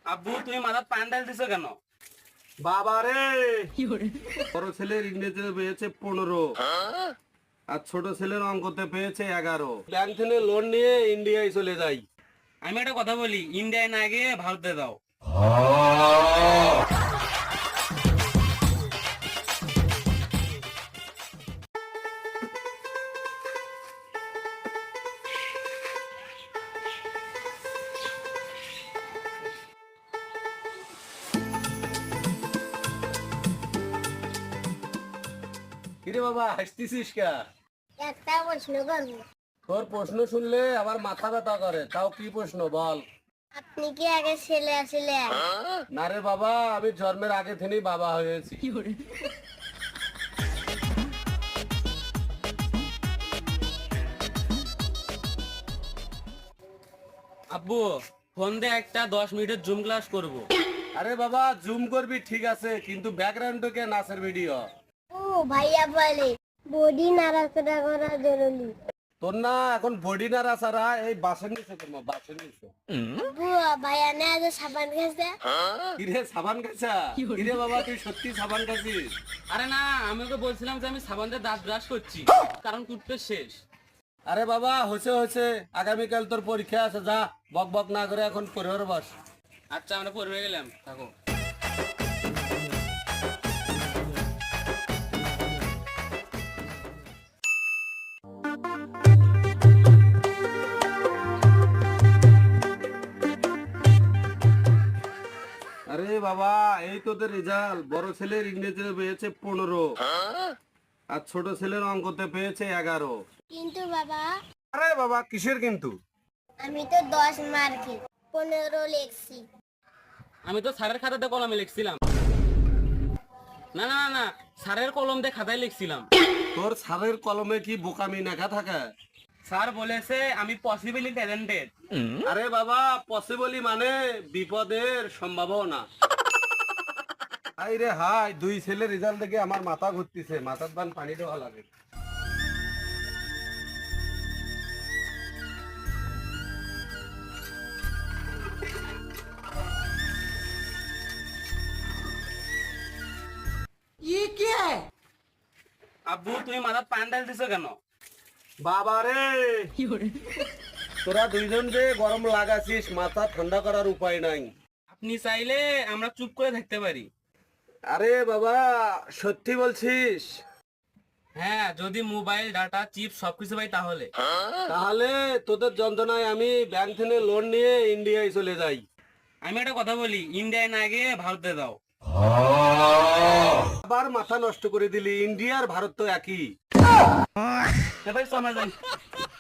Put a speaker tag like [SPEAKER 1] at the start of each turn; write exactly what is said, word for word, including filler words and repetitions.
[SPEAKER 1] আব্বু তুমি মাথার পান ঢাল দিছো কেন?
[SPEAKER 2] বাবা রে, বড় ছেলের ইংরেজিতে পেয়েছে পনেরো আর ছোট ছেলের অঙ্কতে পেয়েছে এগারো। ব্যাংক থেকে লোন নিয়ে ইন্ডিয়ায় চলে যাই।
[SPEAKER 1] আমি একটা কথা বলি, ইন্ডিয়ায় না গিয়ে ভারতে দাও।
[SPEAKER 2] কিরে বাবা, হাসতেছিস কে?
[SPEAKER 3] একটা প্রশ্ন করবো।
[SPEAKER 2] তোর প্রশ্ন শুনলে আমার মাথা ব্যথা করে। তাও কি প্রশ্ন বল।
[SPEAKER 3] আপনি কি আগে ছেলে আছিলেন?
[SPEAKER 2] না রে বাবা, আমি জন্মের আগে থেকেই বাবা হয়েছি।
[SPEAKER 1] আব্বু ফোন দিয়ে একটা দশ মিনিটের জুম ক্লাস করবো।
[SPEAKER 2] আরে বাবা, জুম করবি ঠিক আছে, কিন্তু ব্যাকগ্রাউন্ডে নাচের ভিডিও।
[SPEAKER 3] ও ভাইয়া বলে বডি নাড়াচাড়া করা জরুরি।
[SPEAKER 2] তোর না এখন বডি না রাসারা, এই বাসের নিচে তোমার বাসের নিচে।
[SPEAKER 3] বুয়া ভাইয়া না যে সাবান খেয়েছে।
[SPEAKER 2] কিরে সাবান খাইছা? কিরে বাবা, তুই সত্যি সাবান খাইছিস?
[SPEAKER 1] আরে না, আমি ওকে বলছিলাম যে আমি সাবান দিয়ে দাঁত ব্রাশ করছি, কারণ টুথপেস্ট শেষ।
[SPEAKER 2] আরে বাবা, হয়েছে হয়েছে, আগামীকাল তোর পরীক্ষা আছে, যা বক বক না করে এখন পরিবার বস।
[SPEAKER 1] আচ্ছা আমরা পড়বে গেলাম, থাকো।
[SPEAKER 2] আরে বাবা, এই তোদের রেজাল্ট। বড় ছেলের ইংরেজিতে পেয়েছে পনেরো আর ছোট ছেলের অঙ্কতে পেয়েছে এগারো।
[SPEAKER 3] কিন্তু বাবা,
[SPEAKER 2] আরে বাবা, কিসের কিন্তু?
[SPEAKER 3] আমি তো দশ মার্কে পনেরো লিখছি।
[SPEAKER 1] আমি তো স্যারের খাতাতে কলমে লিখছিলাম। না না না না, স্যারের কলম দিয়ে খাতায় লিখছিলাম।
[SPEAKER 2] তোর স্যারের কলমে কি বোকামি লেখা থাকে?
[SPEAKER 1] স্যার বলেছে আমি পসিবলি ট্যালেন্টেড।
[SPEAKER 2] আরে বাবা, পসিবলি মানে বিপদের সম্ভাবনা। হাই রে হাই, দুই ছেলের রেজাল্ট দেখে আমার মাথা ঘুরতেছে। মাথার বান পানি দেওয়া লাগে।
[SPEAKER 1] আব্বু তুমি মাথার পান ঢাল দিছো কেন?
[SPEAKER 2] বাবা রে, তোরা দুইজন যে গরম লাগাছিস, মাথা ঠান্ডা করার উপায় নাই।
[SPEAKER 1] আপনি চাইলে আমরা চুপ করে থাকতে পারি।
[SPEAKER 2] আরে বাবা, সত্যি বলছিস?
[SPEAKER 1] হ্যাঁ, যদি মোবাইল ডাটা চিপ সবকিছু পাই তাহলে।
[SPEAKER 2] তাহলে তোদের যন্ত্রণায় আমি ব্যাংক থেকে লোন নিয়ে ইন্ডিয়ায় চলে যাই।
[SPEAKER 1] আমি একটা কথা বলি, ইন্ডিয়ায় না গিয়ে ভারতে দাও।
[SPEAKER 2] আবার মাথা নষ্ট করে দিলি। ইন্ডিয়া আর ভারত তো একই।
[SPEAKER 1] এবার সময় যাই।